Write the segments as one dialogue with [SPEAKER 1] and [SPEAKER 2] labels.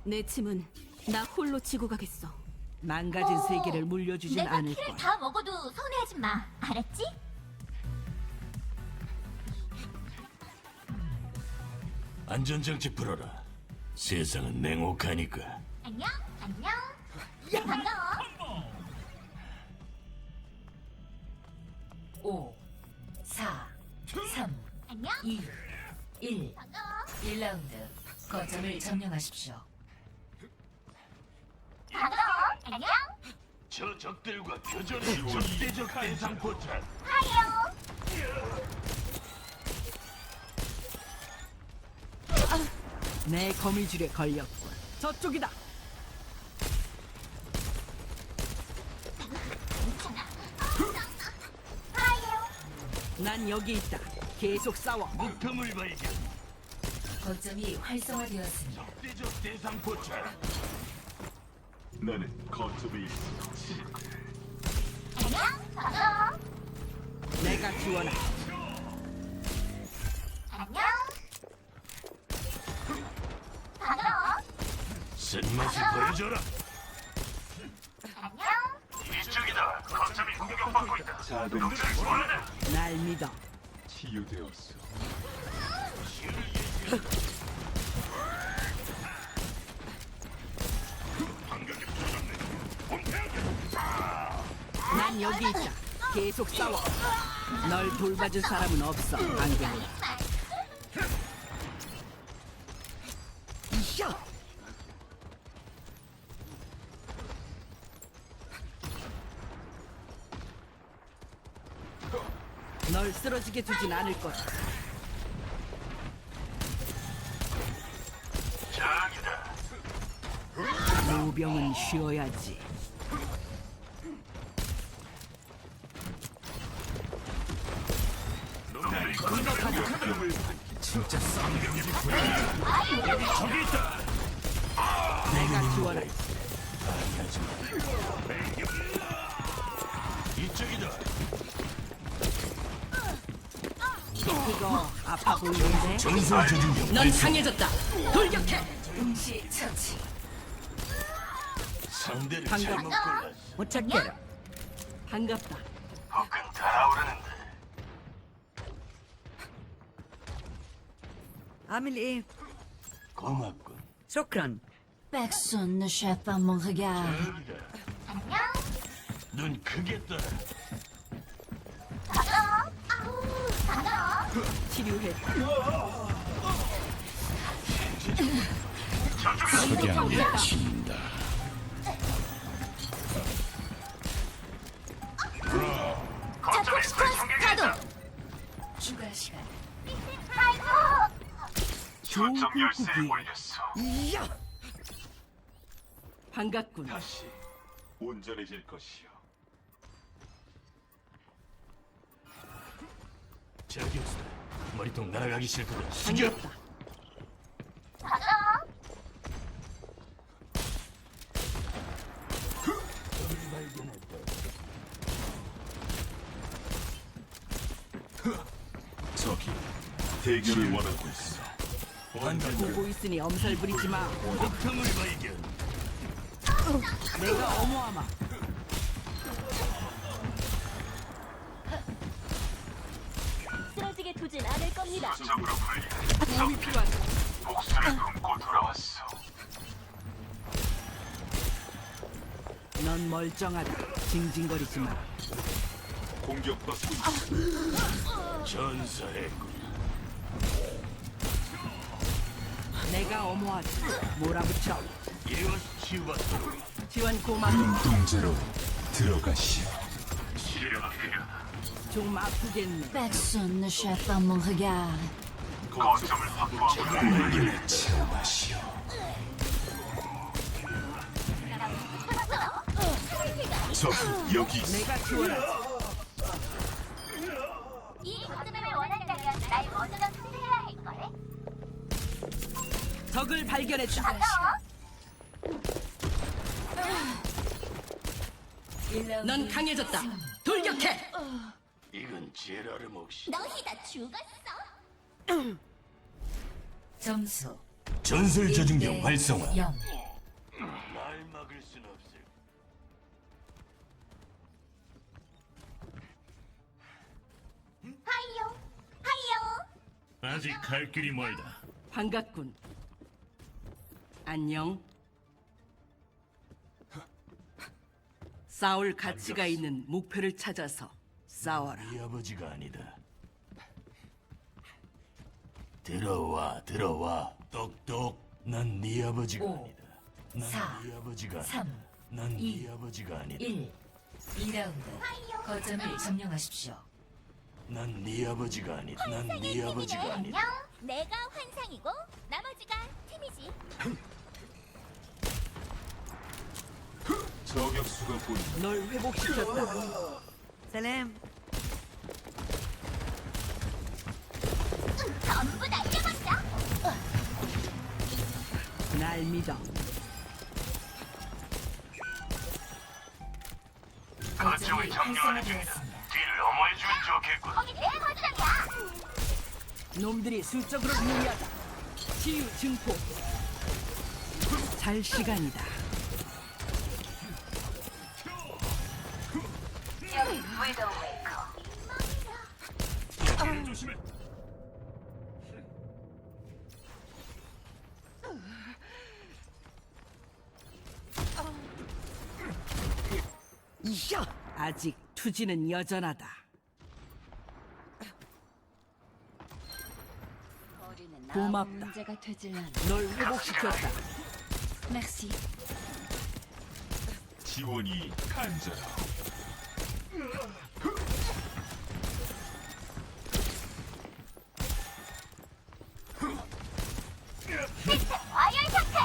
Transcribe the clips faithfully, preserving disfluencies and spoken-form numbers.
[SPEAKER 1] 내 짐은 나 홀로 지고 가겠어.
[SPEAKER 2] 망가진
[SPEAKER 3] 어,
[SPEAKER 2] 세계를 물려주진
[SPEAKER 3] 내가
[SPEAKER 2] 않을
[SPEAKER 3] 키를
[SPEAKER 2] 거야.
[SPEAKER 3] 다 먹어도 서운해하지 마. 알았지?
[SPEAKER 4] 안전장치 풀어라. 세상은 냉혹하니까.
[SPEAKER 3] 안녕, 안녕. 반가워.
[SPEAKER 5] 오, 사, 삼,
[SPEAKER 3] 안녕.
[SPEAKER 5] 이, 일.
[SPEAKER 3] 반가워.
[SPEAKER 5] 일 라운드. 거점을 점령하십시오.
[SPEAKER 3] 반가워. 안녕.
[SPEAKER 4] 저 적들과 교전이 적대적 대상 포착.
[SPEAKER 3] 하이요.
[SPEAKER 2] 내 거미줄에 걸렸군. 저쪽이다.
[SPEAKER 3] 하이요.
[SPEAKER 2] 난 여기 있다. 계속 싸워.
[SPEAKER 4] 목표물 발견.
[SPEAKER 5] 거점이 활성화되었습니다.
[SPEAKER 4] 적대적 대상 포착.
[SPEAKER 6] 나는 거점에 있어.
[SPEAKER 3] 안녕. 반가워.
[SPEAKER 2] 내가 지원할.
[SPEAKER 3] 안녕. 반가워.
[SPEAKER 4] 쓴맛을 보여줘라.
[SPEAKER 3] 안녕.
[SPEAKER 4] 이쪽이다. 거점이 공격받고 있다.
[SPEAKER 6] 자들이
[SPEAKER 2] 날 믿어.
[SPEAKER 6] 치유되었어.
[SPEAKER 2] 난 여기 있다. 계속 싸워. 널 돌봐줄 사람은 없어. 안경. 이샤. 널 쓰러지게 두진 않을 거야.
[SPEAKER 4] 장이다.
[SPEAKER 2] 노병은 쉬어야지.
[SPEAKER 4] 진짜 쌍병이 보여. 여기 저기 있다.
[SPEAKER 2] 내가 지원할.
[SPEAKER 4] 하지 마. 이쪽이다.
[SPEAKER 2] 이거 아파 보이는데?
[SPEAKER 4] 전설 조준경.
[SPEAKER 2] 넌 강해졌다. 돌격해.
[SPEAKER 5] 동시 처치.
[SPEAKER 4] 상대를
[SPEAKER 2] 방금.
[SPEAKER 4] 잘못 골랐어.
[SPEAKER 2] 못 찾게라. 반갑다.
[SPEAKER 4] 혹은 달아오르는데.
[SPEAKER 2] 아밀리,
[SPEAKER 4] 고맙군.
[SPEAKER 2] 쇼크란.
[SPEAKER 5] Personne ne cherche pas mon regard.
[SPEAKER 4] 여기다.
[SPEAKER 3] 안녕.
[SPEAKER 4] 눈 크게 떠.
[SPEAKER 3] 반가워. 아우. 반가워.
[SPEAKER 2] 치료해.
[SPEAKER 4] 석양에 친다.
[SPEAKER 3] 자폭 스쿼트 가동.
[SPEAKER 5] 추가 시간.
[SPEAKER 3] 아이고.
[SPEAKER 2] 조국국이. 이야. 반갑군.
[SPEAKER 6] 다시 온전해질 것이요.
[SPEAKER 4] 저기였어. 머리통 날아가기 싫거든. 숙여.
[SPEAKER 2] 반갑다.
[SPEAKER 3] 반가워.
[SPEAKER 6] 저기 대결을 원하고 있어.
[SPEAKER 2] 보고 있으니 엄살 부리지 마.
[SPEAKER 4] 목표물 발견.
[SPEAKER 2] 내가 어머하마.
[SPEAKER 3] 쓰러지게 두진 않을 겁니다.
[SPEAKER 2] 도움이 필요하다.
[SPEAKER 6] 목숨을 품고 돌아왔어.
[SPEAKER 2] 넌 멀쩡하다. 징징거리지 마.
[SPEAKER 6] 공격받고 있어.
[SPEAKER 4] 전사했군.
[SPEAKER 2] 내가 어머하지. 몰아붙여.
[SPEAKER 4] 이리 와서 치유받도록.
[SPEAKER 2] 지원 고맙고.
[SPEAKER 6] 눈동자로 들어가시오.
[SPEAKER 4] 치료가 필요하다.
[SPEAKER 2] 좀 아프겠네.
[SPEAKER 5] Personne ne cherche pas mon regard.
[SPEAKER 6] 거점을 확보하고 물기를 체험하시오. 저기 여기 있어.
[SPEAKER 2] 내가 지원하지.
[SPEAKER 3] 이 거점을 원한다면 날 먼저 상대해야 할걸?
[SPEAKER 2] 적을 발견했다.
[SPEAKER 3] 반가워.
[SPEAKER 5] 일 라운드.
[SPEAKER 2] 넌 강해졌다. 돌격해.
[SPEAKER 4] 이건 제라르 몫이.
[SPEAKER 3] 너희 다 죽었어.
[SPEAKER 5] 점수
[SPEAKER 6] 전설 저중경 활성화.
[SPEAKER 5] 영.
[SPEAKER 4] 날 막을 순 없을.
[SPEAKER 3] 하이요, 하이요.
[SPEAKER 4] 아직 갈 길이 멀다.
[SPEAKER 2] 반갑군. 안녕. 싸울 가치가 있는 목표를 찾아서 싸워라.
[SPEAKER 4] 네 아버지가 아니다. 들어와, 들어와. 똑똑. 난 네 아버지가
[SPEAKER 5] 오,
[SPEAKER 4] 아니다. 난
[SPEAKER 5] 사,
[SPEAKER 4] 네 아버지가 아니다.
[SPEAKER 5] 삼,
[SPEAKER 4] 난
[SPEAKER 5] 이,
[SPEAKER 4] 네 아버지가 아니다.
[SPEAKER 5] 일. 이 라운드. 거점을 점령하십시오.
[SPEAKER 4] 난 네 아버지가 아니다. 난 네 아버지가 아니다.
[SPEAKER 3] 안녕. 내가 환상이고 나머지가 팀이지.
[SPEAKER 6] 저격수가 보인다.
[SPEAKER 2] 널 회복시켰다.
[SPEAKER 3] 전부 날려버려.
[SPEAKER 2] 날 믿어.
[SPEAKER 5] 거점이 활성화되었습니다.
[SPEAKER 4] 뒤를 어머해주면 좋겠군.
[SPEAKER 3] 거기 내 거점이야.
[SPEAKER 2] 놈들이 수적으로 유리하다. 치유 증폭. 잘 시간이다.
[SPEAKER 4] 조심해.
[SPEAKER 2] 이야! 아직 투지는 여전하다. 고맙다.
[SPEAKER 5] 문제가 되질 않아.
[SPEAKER 2] 널 회복시켰다.
[SPEAKER 5] 맥시.
[SPEAKER 6] 지원이 간절하.
[SPEAKER 3] 와열 상태.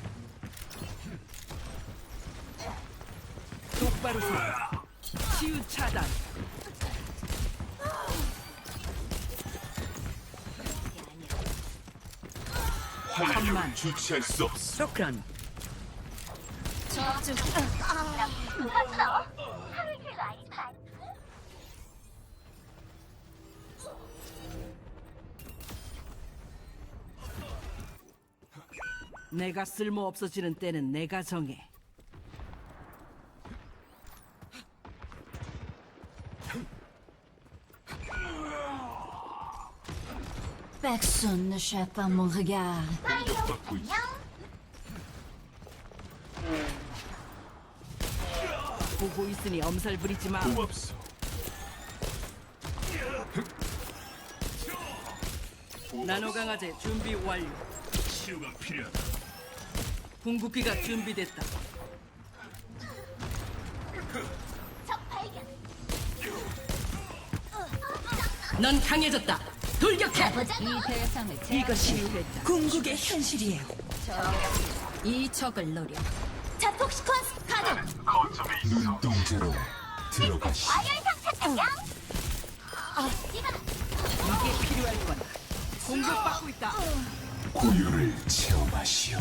[SPEAKER 2] 똑바로 서. 치유 차단.
[SPEAKER 6] 활력을
[SPEAKER 2] 잠만.
[SPEAKER 6] 주체할 수 없어.
[SPEAKER 2] 쇼크란.
[SPEAKER 5] 저쪽.
[SPEAKER 3] 불렀어. 하루 길도 아니지만.
[SPEAKER 2] 내가 쓸모 없어지는 때는 내가 정해.
[SPEAKER 5] Personne ne chape à mon regard.
[SPEAKER 6] 공격받고 있어.
[SPEAKER 2] 보고 있으니 엄살 부리지 마.
[SPEAKER 6] 고맙소.
[SPEAKER 2] 나노 강화제 준비 완료.
[SPEAKER 4] 치유가 필요하다.
[SPEAKER 2] 궁극기가 준비됐다.
[SPEAKER 3] 적 발견.
[SPEAKER 2] 넌 강해졌다. 돌격해.
[SPEAKER 5] 이 대상을
[SPEAKER 2] 이것이 궁극의 현실이에요.
[SPEAKER 5] 이 적을 노려.
[SPEAKER 3] 자폭 시퀀스 가동.
[SPEAKER 6] 눈동자로 들어가시오.
[SPEAKER 3] 와열 상태 안녕.
[SPEAKER 2] 이게 필요할 거다. 공격받고 있다.
[SPEAKER 6] 고요를 체험하시오.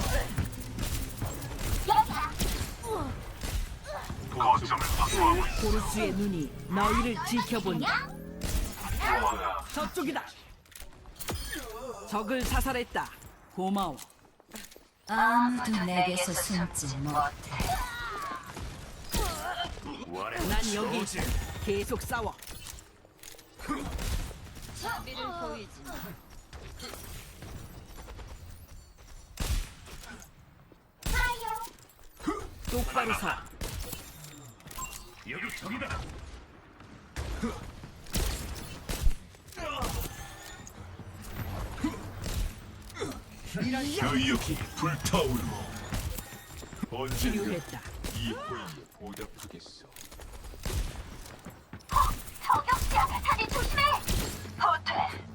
[SPEAKER 3] 여기야.
[SPEAKER 2] 고르스의 눈이 너희를 지켜본다. 저쪽이다. 적을 사살했다. 고마워.
[SPEAKER 5] 아무도 내게서 숨지 못해.
[SPEAKER 2] 난 여기 있어. 계속 싸워.
[SPEAKER 5] 자비를 보이지 마.
[SPEAKER 2] 똑바로 서.
[SPEAKER 4] 여기 저기다.
[SPEAKER 6] 여역이 불타오르고 언젠가
[SPEAKER 2] 치유했다.
[SPEAKER 6] 이 호의에 보답하겠소.
[SPEAKER 3] 저격수야. 다들 조심해. 호텔.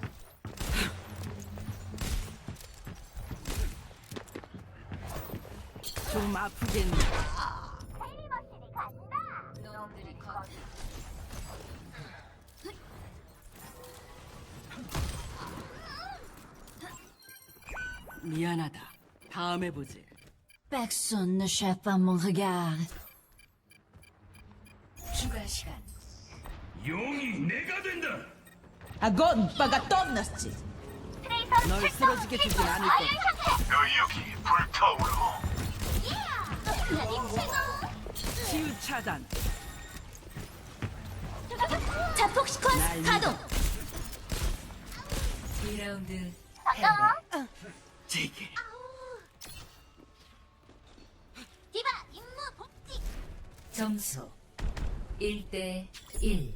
[SPEAKER 2] 좀 아프겠네.
[SPEAKER 3] 헬리머신이 간다.
[SPEAKER 5] 놈들이 거기.
[SPEAKER 2] 미안하다. 다음에 보지.
[SPEAKER 5] Personne ne chape à mon regard. 추가 시간.
[SPEAKER 4] 용이 내가 된다.
[SPEAKER 2] 아건 빠가 떠났지.
[SPEAKER 3] 트레이서
[SPEAKER 2] 널 쓰러지게 두진 않을 거야.
[SPEAKER 4] 여기 불타오르.
[SPEAKER 2] 치유 차단.
[SPEAKER 3] 자폭 시퀀스
[SPEAKER 2] 날
[SPEAKER 3] 가동.
[SPEAKER 5] 이 라운드
[SPEAKER 3] 반가워.
[SPEAKER 2] 제게.
[SPEAKER 3] 디바 임무 복귀.
[SPEAKER 5] 점수 일 대 일.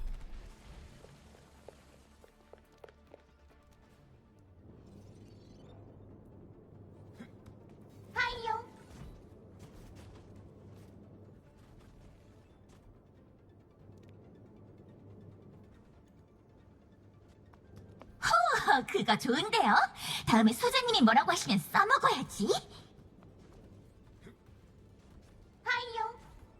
[SPEAKER 3] 파이어. 호, 그거 좋은데요? 다음에 소장님이 뭐라고 하시면 써먹어야지. 파이어.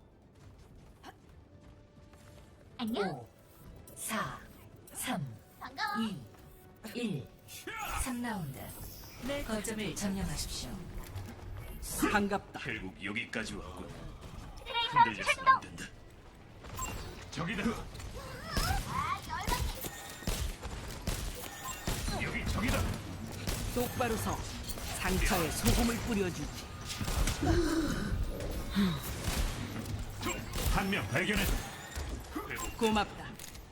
[SPEAKER 3] 안녕.
[SPEAKER 5] 오, 사, 삼,
[SPEAKER 3] 반가워.
[SPEAKER 5] 이, 일. 삼 라운드. 거점을 점령하십시오.
[SPEAKER 2] 반갑다.
[SPEAKER 4] 결국 여기까지 왔군.
[SPEAKER 3] 트레이서
[SPEAKER 4] 흔들려서
[SPEAKER 3] 출동.
[SPEAKER 4] 안 된다. 저기다. 여기 저기다.
[SPEAKER 2] 똑바로 서. 상처에 소금을 뿌려주지.
[SPEAKER 4] 한 명 발견했다.
[SPEAKER 2] 고맙다.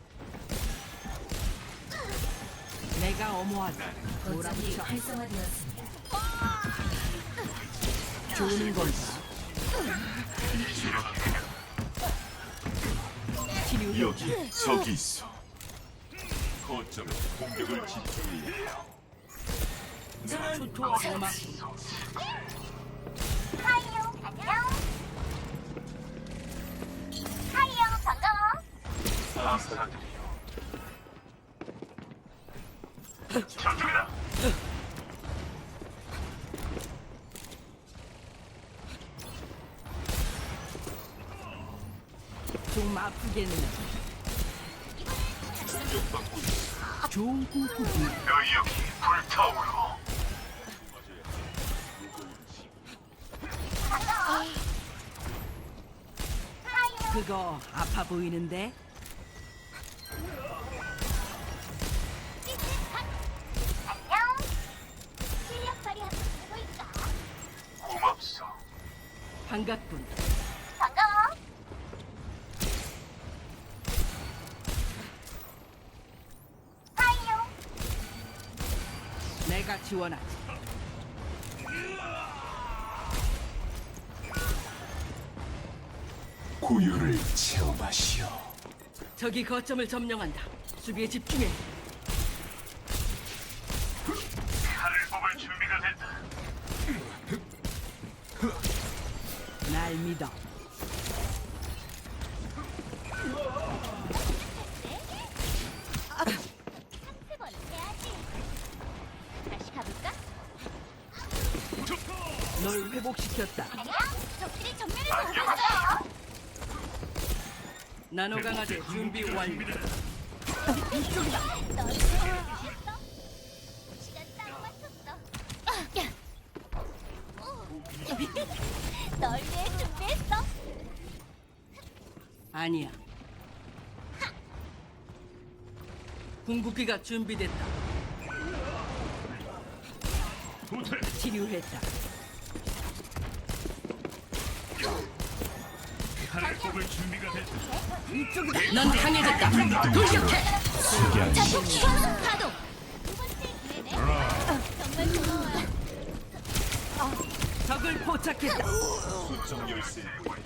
[SPEAKER 2] 내가 엄호하다.
[SPEAKER 5] 거점이
[SPEAKER 2] 몰아붙여.
[SPEAKER 5] 활성화되었습니다.
[SPEAKER 2] 좋은 건가? 치료.
[SPEAKER 6] 여기 저기 있어. 거점에 공격을 집중해야 해.
[SPEAKER 2] 좋아. 고맙다.
[SPEAKER 3] 파이어. 안녕. 파이어. 반가워.
[SPEAKER 4] 저쪽이다.
[SPEAKER 2] 좀 아프겠네. 좋은 꿈꾸기.
[SPEAKER 4] 너희 여기 불타오르.
[SPEAKER 2] 그거 아파 보이는데?
[SPEAKER 3] 안녕. 실력 발휘하고 보일까?
[SPEAKER 4] 고맙소.
[SPEAKER 2] 반갑군.
[SPEAKER 3] 반가워. 파이어.
[SPEAKER 2] 내가 지원하지.
[SPEAKER 6] 고요를 체험하시오.
[SPEAKER 2] 저기 거점을 점령한다. 수비에 집중해.
[SPEAKER 4] 칼을 뽑을 준비가 됐다.
[SPEAKER 2] 날 믿어.
[SPEAKER 3] 세 번 해야지. 다시 가볼까?
[SPEAKER 2] 널 회복시켰다.
[SPEAKER 3] 안녕. 적들이 정면을 공격했어요.
[SPEAKER 2] 나노 강화제 준비 완료.
[SPEAKER 3] 널 준비했어? 시간 딱 맞췄어. 널 위해 준비했어.
[SPEAKER 2] 아니야. 궁극기가 준비됐다.
[SPEAKER 4] 호텔.
[SPEAKER 2] 치료했다.
[SPEAKER 4] 칼을 뽑을 준비가 됐다.
[SPEAKER 2] 넌 강해졌다. 돌격해.
[SPEAKER 3] 자폭 시간 가동. 두 번째 기회네. 정말 고마워요.
[SPEAKER 2] 적을 포착했다.
[SPEAKER 6] 수정 열쇠.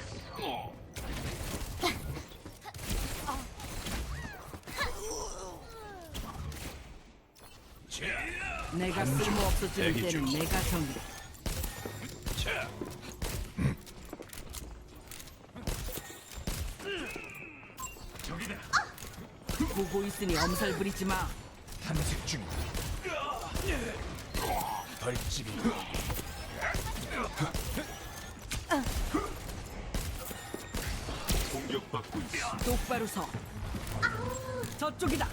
[SPEAKER 2] 내가 쓸모 없어지는 때는 내가 정이다.
[SPEAKER 4] 자. 저기다.
[SPEAKER 2] 보고 있으니 엄살 부리지 마.
[SPEAKER 4] 탐색 중이다. 벌집이.
[SPEAKER 6] 공격받고 있어.
[SPEAKER 2] 똑바로 서. 저쪽이다.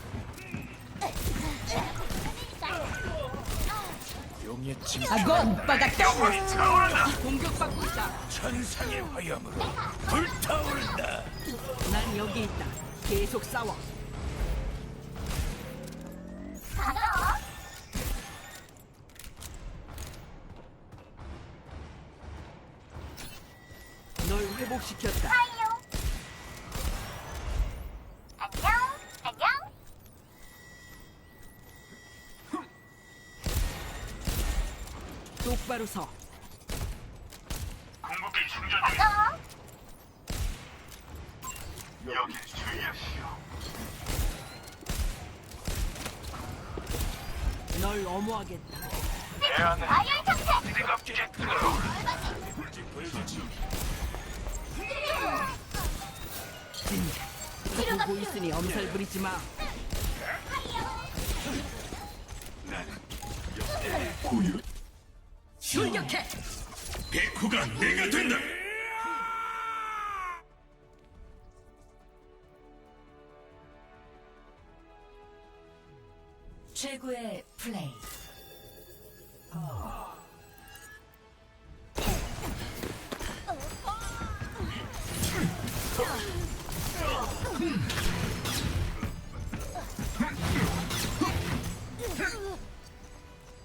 [SPEAKER 4] 용의 침.
[SPEAKER 2] 아건 빠닥다. 공격받고 있다.
[SPEAKER 4] 천상의 화염으로 불타오른다.
[SPEAKER 2] 난 여기 있다. 계속 싸워.
[SPEAKER 3] 반가워.
[SPEAKER 2] 회복시켰다.
[SPEAKER 3] 안녕, 안녕.
[SPEAKER 2] 똑바로 서.
[SPEAKER 4] 궁극기 충전 중.
[SPEAKER 3] 반가워.
[SPEAKER 4] 여기 주의하시오.
[SPEAKER 2] 널 엄호하겠다.
[SPEAKER 3] 아열 상태.
[SPEAKER 4] 뜨겁게 뜨거워.
[SPEAKER 2] 진짜 보고 있으니 엄살 부리지 마.
[SPEAKER 6] 고유
[SPEAKER 2] 출격해.
[SPEAKER 4] 백호가 내가 된다.
[SPEAKER 5] 최고의 플레이.